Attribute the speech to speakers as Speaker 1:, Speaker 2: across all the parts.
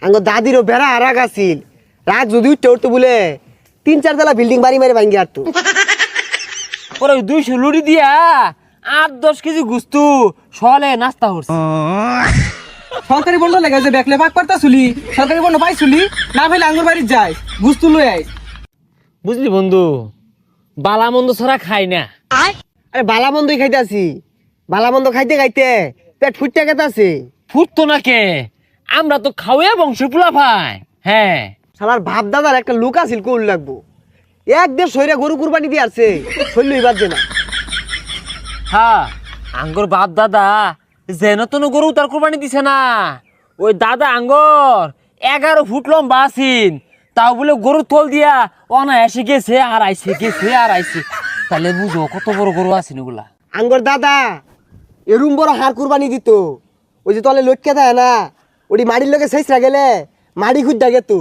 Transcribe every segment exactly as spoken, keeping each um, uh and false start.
Speaker 1: আঙ্গ দাদিরও বেড়া আর রাগ আছিল রাগ যদি উঠতে উঠতে বলে তিন চার তলা বিল্ডিং বাড়ি মারি ভাঙ্গি আর তো
Speaker 2: পরে ওই দুইশো লুড়ি দিয়া আট দশ কেজি গুস্তু সলে নাস্তা হচ্ছে।
Speaker 3: সরকারি বন্ধ লেগে যে দেখলে ভাগ পারতা চুলি সরকারি বন্ধ পাই চুলি না ভাইলে আঙ্গুর বাড়ি যাই গুস্তু লই আই।
Speaker 2: বুঝলি বন্ধু, বালা মন্দ ছাড়া খাই না।
Speaker 1: আরে বালা মন্দই খাইতে আছি, বালা মন্দ খাইতে খাইতে পেট ফুটতে গেতে আছে।
Speaker 2: ফুটতো না কে, আমরা তো খাওয়া বংশ পোলা ভাই। হ্যাঁ
Speaker 1: শালার বাপ দাদার একটা লুক আছিল কোল লাগবো, এক দেড় শরীরে গরু কুরবানি দিয়ে আসছে শৈল এবার যে না।
Speaker 2: হ্যাঁ আঙ্গর বাপ দাদা যেন তো গরু তার কোরবানি দিছে না, ওই দাদা আঙ্গর এগারো ফুট লম্বা আছিন, তাও বলে গরু তোল দিয়া অনা এসে গেছে আর আইসে গেছে আর আইসে। তাহলে বুঝো কত বড় গরু আছিন ওগুলা।
Speaker 1: আঙ্গর দাদা এরুম বড় হার কুরবানি দিত, ওই যে তলে লটকে দেয় না ওটি মাড়ির লোকে শেষরা গেলে মাড়ি খুঁজ ডাকে তো।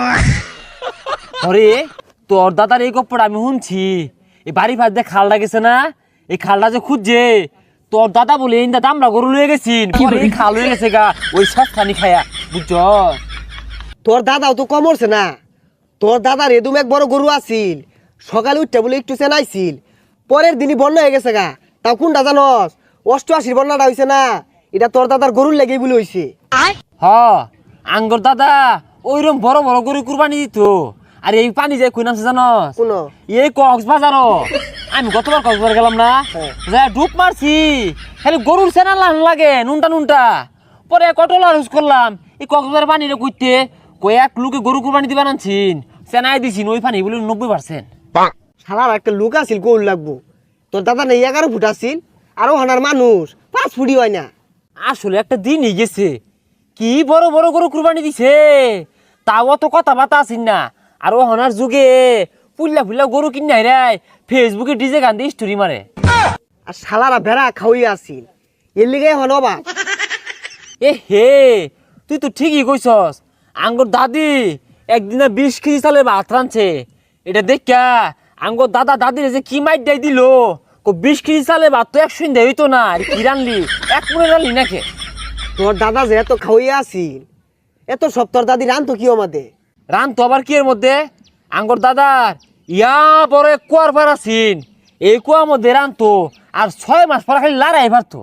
Speaker 2: আরে তোর দাদার এই গপ্পটা আমি শুনছি, এই বাড়ি ফাঁস দিয়ে খালটা গেছে না, এই খালটা যে খুঁজছে তোর দাদা বলে এই দাদা আমরা গরু লয়ে গেছিন, পরে এই খাল হয়ে গেছে গা ওই সাত খানি খায়া। বুঝছ
Speaker 1: তোর দাদাও তো কমরছে না, তোর দাদার এদুম এক বড় গরু আছিল, সকালে উঠতে বলে একটু চেনাইছিল, পরের দিনই বন্যা হয়ে গেছে গা। তাও কোনটা জানস? অষ্টআশির বন্যাটা হয়েছে না, এটা তোর দাদার গরুর লেগেই বলে হয়েছে।
Speaker 2: হ আঙ্গর দাদা ওইরকম বড় বড় গরু কুরবানি দিত। আর এই পানি যায় কই নামছে জানস?
Speaker 1: কোন
Speaker 2: এই কক্সবাজার। আমি গতবার কক্সবাজার গেলাম না, যা ডুব মারছি, খালি গরুর সেনা লান লাগে নুনটা নুনটা। পরে কটলা ইউজ করলাম এই কক্সবাজার পানিটা কইতে কয়েক লোকে গরু কুরবানি দিবা আনছিন, সেনাই দিছিন ওই পানি বলে নব্বই পার্সেন্ট।
Speaker 1: শালার একটা লুক আছিল কোল লাগবো, তোর দাদা নেই এগারো ফুট আছিল, আরো হানার মানুষ পাঁচ ফুটি হয় না।
Speaker 2: আসলে একটা দিনই গেছে, কি বড় বড় গরু কুরবানি দিছে, তাও অত কথা বাতা আসিন না। আর ও হনার যুগে পুল্লা ফুল্লা গরু কিনে রায় ফেসবুকে ডিজে গান দিয়ে স্টোরি মারে।
Speaker 1: আর শালারা ভেড়া খাওয়াই আছিল, এর লিগে হন অবাক।
Speaker 2: এ হে তুই তো ঠিকই কইছস, আঙ্গর দাদি একদিনে বিশ কেজি চালে ভাত রাঁধছে, এটা দেখা আঙ্গর দাদা দাদির যে কি মাইট দেয় দিল, বিশ কেজি চালে ভাত তো একশো দেয় হইতো না, আর কি রানলি এক মনে রানলি নাকি?
Speaker 1: তোর দাদা যে এত খাওয়াই আছিল, এত সব তোর দাদি রান তো কি আমাদের
Speaker 2: রান তো আবার কি এর মধ্যে, আঙ্গর দাদার ইয়া বড় এক কুয়ার পার আছিন, এই কুয়ার মধ্যে রান তো আর ছয় মাস পর খালি লড়াই পারতো।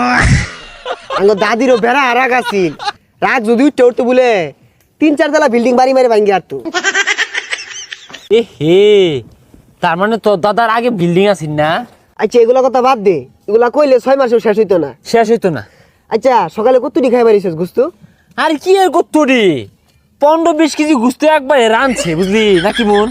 Speaker 1: আঙ্গর দাদিরও বেড়া আর রাগ আছিল, রাগ যদি উঠতে উঠতে বলে তিন চার তলা বিল্ডিং বাড়ি মারি ভাঙ্গি আর তো।
Speaker 2: এ হে তার মানে তোর দাদার আগে বিল্ডিং আছিন না?
Speaker 1: আচ্ছা এগুলা কথা বাদ দে, এগুলা কইলে ছয় মাসেও শেষ হইতো না।
Speaker 2: শেষ হইতো না।
Speaker 1: আচ্ছা সকালে কতটি খাই পারিস গুস্তু?
Speaker 2: আর কি এর কত্তরি পনেরো বিশ কেজি গুস্তু একবারে রাঁধছে বুঝলি নাকি মন।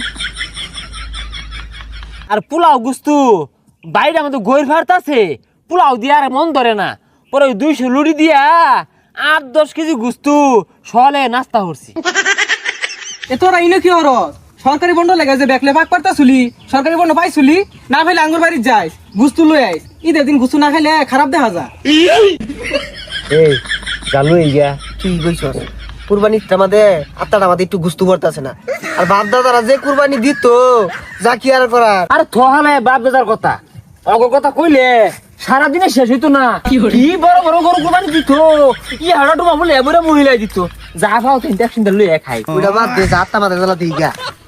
Speaker 2: আর পোলাও গুস্তু বাইরে আমাদের গইর ভাত আছে, পোলাও দিয়ে আর মন ধরে না। পরে ওই দুইশো লুড়ি দিয়া আট দশ কেজি গুস্তু সলে নাস্তা করছি।
Speaker 3: এ তোরা ইনো কি হর সরকারি বন্ধ লেগে যে দেখলে ভাগ পারতা চুলি সরকারি বন্ধ পাই চুলি না ভাইলে আঙ্গুর বাড়ি যাই গুস্তু লই আই। ঈদের দিন গুস্তু না খাইলে খারাপ দেখা যায়।
Speaker 1: এই চালু এই গিয়া তুই কইছস কুরবানি আমাদের আত্মাটা আমাদের একটু গুস্তু পড়তেছে না, আর বাপ দাদারা যে কুরবানি দিত যা কি আর করার।
Speaker 2: আর থহালে বাপ বেজার কথা অগর কথা কইলে সারাদিনে শেষ হইতো না। কি বড় বড় গরু কোরবানি দিত, ই হাড়া ডুবা বলে এবারে মহিলাই দিত, যা খাও তিনটা সিন্দার লইয়া খাই।
Speaker 1: ওইটা বাদ দে, যা আত্মা মাথা জ্বালা দিই গা।